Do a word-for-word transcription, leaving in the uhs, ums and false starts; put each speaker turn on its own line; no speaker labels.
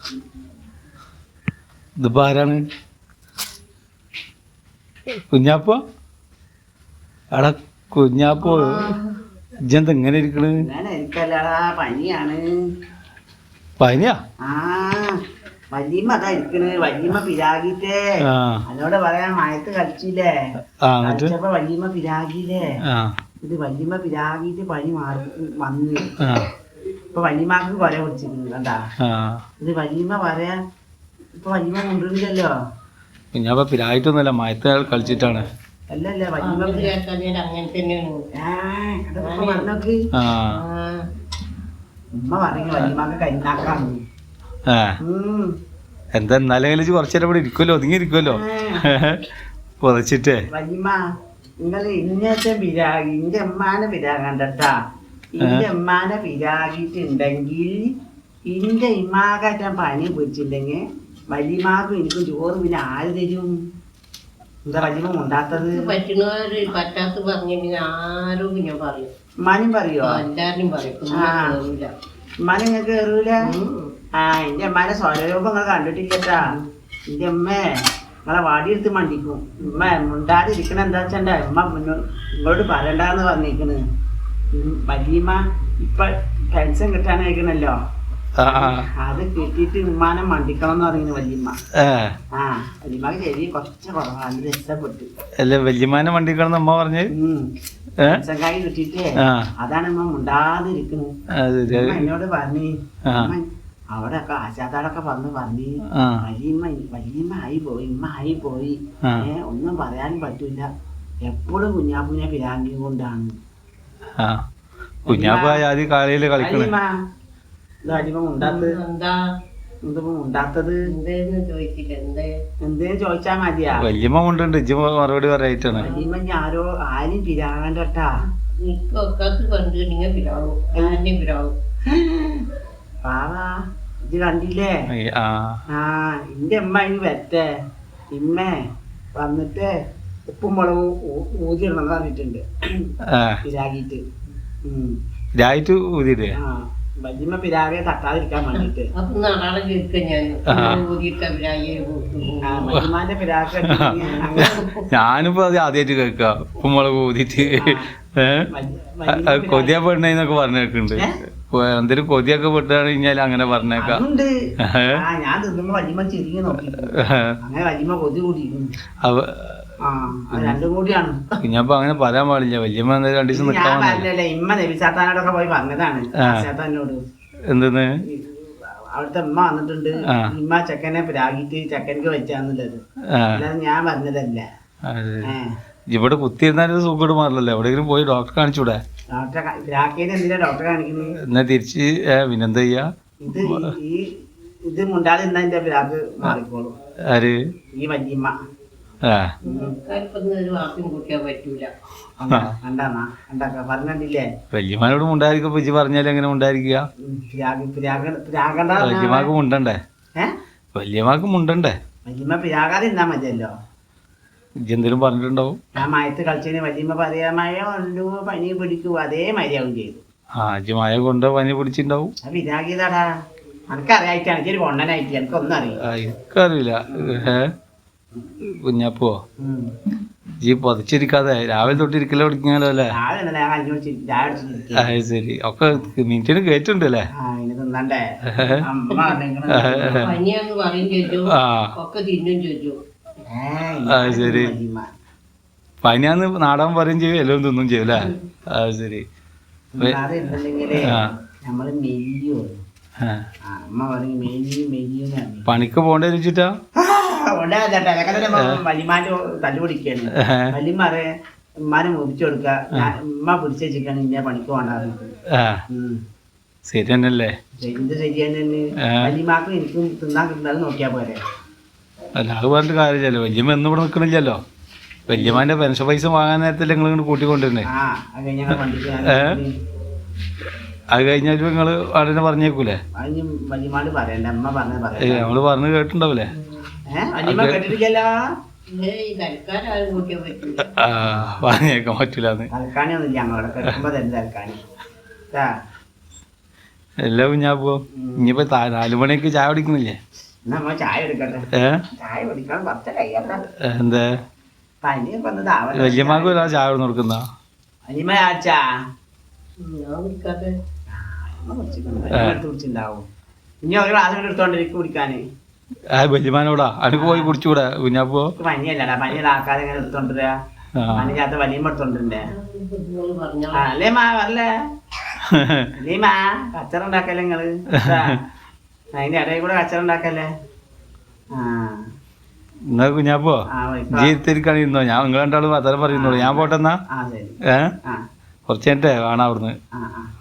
ഇതിപ്പോ ആരാണ്? കുഞ്ഞാപ്പോ? എടാ കുഞ്ഞാപ്പോ, ഇജ്ജെന്താ ഇങ്ങനെ ഇരിക്കണ്?
പനിയാണ്.
പനിയാ?
ആ വല്യമ്മ അതാ ഇരിക്കണ്. വല്യമ്മ പിരാഗിട്ടേ അതോട് പറയാൻ മയത്ത് കളിച്ചില്ലേ, കളിച്ചപ്പോ വല്യമ്മ പിരാഗിയില്ലേ, ഇത് വല്യമ്മ പിരാഗിട്ട് പനി മാറി വന്ന് ഇപ്പൊ വല്യമ്മക്ക് കൊല പിടിച്ചിരുന്നു കണ്ടാ. ഇത് വല്യമ്മ പറയാ ഇപ്പൊ വല്യമ്മ കൊണ്ടുവരില്ലല്ലോ.
കുഞ്ഞാപ്പ പിരായിട്ടൊന്നുമല്ല, മയത്ത് കളിച്ചിട്ടാണ്.
അല്ലല്ല വല്യമ്മ
അങ്ങനെ തന്നെയാണ്.
പറഞ്ഞോക്ക് ഉമ്മ പറഞ്ഞു വല്യമ്മക്ക് കരിനാക്കാണ്.
എന്താ എന്നാലും കളിച്ച് കുറച്ചേരം ഇവിടെ ഇരിക്കുമല്ലോ, ഒതുങ്ങി ഇരിക്കുമല്ലോ പുതച്ചിട്ടേ.
വല്യമ്മ നിങ്ങള് ഇന്നത്തെ പിരാഗി ഇന്റെ അമ്മാനെ പിരാകണ്ടട്ടാ. ഇന്റെ അമ്മാനെ പിരാഗിട്ടുണ്ടെങ്കിൽ ഇന്റെ ഇമ്മാകാറ്റം പനി പിടിച്ചില്ലെങ്കിൽ വല്യമാക്കും എനിക്കും ചോറ് പിന്നെ ആര് തരും? എന്താ വല്യമ്മ ഉണ്ടാത്തത്?
പറ്റുന്നവര് പറ്റാത്ത പറഞ്ഞിട്ടുണ്ടെങ്കിൽ ആരും ഞാൻ പറയും.
ഉമ്മാനും പറയോ?
എല്ലാരും പറയും.
ഉമ്മാനെ നിങ്ങൾക്ക് കയറൂല. ആ എന്റെ അമ്മാനെ സ്വരൂപം നിങ്ങൾ കണ്ടിട്ടില്ലട്ടാ. എന്റെ അമ്മേ നിങ്ങളെ വാടിയെടുത്ത് മണ്ടിക്കും. ഉമ്മ മുണ്ടാതിരിക്കണ എന്താ വെച്ചാ ഉമ്മ നിങ്ങളോട് പറയണ്ടെന്ന് പറഞ്ഞിരിക്കണ്. വല്യമ്മ ഇപ്പൊ പെൻഷൻ കിട്ടാനായിക്കണല്ലോ, അത് കിട്ടിയിട്ട് ഉമ്മാനെ മണ്ടിക്കണം എന്ന് പറയുന്നു വല്യമ്മ. ആ വല്യമ്മക്ക് ശരി കുറച്ച് കുറവാണ്, രക്ഷപ്പെട്ടു.
അല്ല വല്യമ്മാനെ മണ്ടിക്കണം അമ്മ പറഞ്ഞു.
പെൻഷൻകായി കിട്ടിയിട്ടേ അതാണ് ഉമ്മ മുണ്ടാതിരിക്കണത്. എന്നോട് പറഞ്ഞു അവിടെ ഒക്കെ ആശാത്താടൊക്കെ വന്ന് പറഞ്ഞു വല്യമ്മ വല്യമ്മ ആയി പോയി, ഉമ്മ ആയി പോയി, ഏ ഒന്നും പറയാനും പറ്റൂല, എപ്പോഴും കുഞ്ഞാപ്പൂനെ പിരാങ്കി കൊണ്ടാണ്.
കുഞ്ഞാപ്പ കാലയില് കളിക്കണ
ഉണ്ടാത്തത് എന്തേലും ചോദിച്ചാ മതിയാ.
വല്യമ്മ കൊണ്ടുണ്ട്, ഇജ്ജ് മറുപടി പറയായിട്ടാണ്.
വല്യമ്മ ഞാരോ ആരും പിരാകണ്ടട്ടാ. പാവാ ഇത് കണ്ടില്ലേ? ആ എന്റെ അമ്മ ഇനി വരട്ടെ, ഇമ്മേ വന്നിട്ട് ഉപ്പും മുളകും ഊതിയിടണം എന്ന് പറഞ്ഞിട്ടുണ്ട് പിരാഗിട്ട്.
രായിട്ട് ഊതിയിട്ടേ
വല്യമ്മ പിരാഗെ തട്ടാതിരിക്കാൻ വേണ്ടിട്ട് വല്യമാന്റെ പിരാഗ്
ഞാനിപ്പോ അത് ആദ്യമായിട്ട് കേൾക്ക ഉപ്പുമുളക് ഊതിട്ട്. കൊതിയ പെണ്ണേന്നൊക്കെ പറഞ്ഞു കേൾക്കുന്നുണ്ട്. എന്തെങ്കിലും കൊതിയൊക്കെ പെട്ടാണ് കഴിഞ്ഞാൽ അങ്ങനെ പറഞ്ഞേക്കാം.
ഞാൻ തിന്നുമ്പോ വല്യമ്മ ചെറിയ നോക്കി അങ്ങനെ വല്യമ്മ കൊതി കൂടിയിരുന്നു. രണ്ടും കൂടിയാണ്.
കുഞ്ഞാപ്പ അങ്ങനെ പറയാൻ പാടില്ല. വല്യമ്മ രണ്ടു ദിവസം നിൽക്കാൻ
പറഞ്ഞല്ലേ, ഇമ്മ നബിസാത്താനോടൊക്കെ പോയി പറഞ്ഞതാണ്. നബിസാത്താനോട്
എന്തെന്ന്
അവിടുത്തെ ഉമ്മ വന്നിട്ടുണ്ട്, ഇമ്മ ചെക്കനെ പ്രാഗിട്ട് ചെക്കനക്ക് വെച്ചാന്നുള്ളത്, അല്ലാതെ ഞാൻ പറഞ്ഞതല്ല.
ഇവിടെ കുത്തിയിരുന്നാലും സുഖം മാറില്ലല്ലോ, എവിടെയെങ്കിലും പോയി ഡോക്ടറെ കാണിച്ചൂടെ?
ഡോക്ടറെ പ്രാഗിന് എന്തിനാ ഡോക്ടറെ കാണിക്കുന്നത്?
എന്നാ തിരിച്ച് പിന്നെന്താ ചെയ്യാ?
ഇത് ഈ ഇത് മുണ്ടാതിരുന്ന എന്റെ പ്രാഗ് മാറിക്കോളും.
ആര്?
ഈ വല്യമ്മ.
വല്യമാനോട് മുണ്ടായിരിക്കും. ഇജ്ജ് പറഞ്ഞാലും എങ്ങനെ മുണ്ടായിരിക്കുക? വല്യമാക്ക് മുണ്ടണ്ടേ? വല്യമാക്ക് മുണ്ടണ്ടേ?
വല്യമ്മ പിരാകാതിരുന്നാ മതിയല്ലോ.
ഇജ്ജ് എന്തേലും പറഞ്ഞിട്ടുണ്ടാവും.
ഞാൻ മയത്ത് കളിച്ചതിന് വല്യമ്മ പറയാ മഴ കൊണ്ടു പനി പിടിക്കൂ, അതേ മര്യാദ ചെയ്തു.
ആ ഇജ്ജ് മഴ കൊണ്ട് പനി പിടിച്ചിട്ടുണ്ടാവും.
പിരാഗിയതാടാ, എനിക്കറിയായിട്ടാണ്. എനിക്ക് കൊണ്ടനായിട്ട് എനിക്കൊന്നും അറിയില്ല.
എനിക്കറിയില്ല. കുഞ്ഞാപ്പോ ഈ പൊതച്ചിരിക്കാതെ രാവിലെ തൊട്ടിരിക്കലോ പഠിക്കാലോ അല്ലേ? അത് ശരി. ഒക്കെ മിനിറ്റിന് കേറ്റുണ്ടല്ലേ? അത് ശരി. പനിയാന്ന് നാടൻ പറയും ചെയ്യും, എല്ലാം തിന്നും ചെയ്യും അല്ലേ? അത് ശരി. പണിക്ക് പോണ്ടേ വെച്ചിട്ടാ
വല്യമാന്റെ തല്ലുപിടിക്കാണ്. വല്യമാറെ ഉമ്മാനെ മുറിച്ചു കൊടുക്ക, ഉമ്മ പിടിച്ചു വെച്ചിട്ടാണ് ഇന്നെ പണിക്ക് പോകണ്ടാന്ന്.
ശരി തന്നെയല്ലേ?
ഇത് ശരി തന്നെ. വല്യമാക്കും എനിക്കും തിന്നാൻ കിട്ടുന്നത് നോക്കിയാ പോരെ.
അല്ല അത് പറഞ്ഞിട്ട് കാര്യമില്ലല്ലോ. വല്യമ്മ എന്നും ഇവിടെ നിൽക്കണില്ലല്ലോ. വല്യമാന്റെ പെൻഷൻ പൈസ വാങ്ങാൻ നേരത്തല്ലേ നിങ്ങൾ ഇങ്ങോട്ട് കൂട്ടിക്കൊണ്ടിരുന്നേ? അത് കഴിഞ്ഞാൽ നിങ്ങള് അവിടെ പറഞ്ഞേക്കൂലേ? നമ്മള് പറഞ്ഞു കേട്ടിട്ടുണ്ടാവൂലേ? പറഞ്ഞേക്കാൻ പറ്റൂലെന്ന്. എല്ലാ കുഞ്ഞാപ്പോ ഇനിയിപ്പോ താ- നാല് മണിക്ക് ചായ കുടിക്കുന്നില്ലേ?
എന്നാ നമ്മ ചായ എടുക്കട്ടെ.
ഏ
ചായ കുടിക്കണം പത്ത് കഴിയണ്ട.
എന്താ
പനിയൊക്കെ ഒന്ന് താവട്ടെ.
വല്യമാക്കും ഒരാൾ ചായ കൊടുന്ന് കൊടുക്കുന്ന
അനിമ ആച്ചാ
ഞാൻ കുടിക്കാതെ
കുടിച്ചിണ്ടാവും. ഇനി ഒരു ഗ്ലാസ് കൂടെ എടുത്തോണ്ടിരിക്കും കുടിക്കാന്.
ആ വല്യമാനോടാ അനക്ക് പോയി കുടിച്ചുകൂടാ കുഞ്ഞാപ്പോ?
പനിയല്ലടാ, പനിയുടെ ആൾക്കാരെ ഇങ്ങനെ എടുത്തോണ്ടിരാ.
ആ
പനിക്കാത്ത വലിയ എടുത്തോണ്ടിരുന്നേ.
നിങ്ങൾ പറഞ്ഞോ.
ആ അല്ലേ മാ വരല്ലേ അല്ലേ മാ കച്ചറ ഉണ്ടാക്കല്ലേ നിങ്ങള്. അതിന്റെ ഇടയിൽ കൂടെ കച്ചറ ഉണ്ടാക്കല്ലേ. ആ
എന്നാ കുഞ്ഞാപ്പോ
ആ വൈ-
ജീവിതത്തിരിക്കാണ് ഇരുന്നോ? ഞാൻ നിങ്ങൾ രണ്ടാളും അത്തരം പറയുന്നുള്ളൂ. ഞാൻ പോട്ടെന്നാ.
ആ ശരി.
ഏ
ആ
കുറച്ച് കഴിഞ്ഞിട്ടേ വേണം അവിടുന്ന്.
ആ ആ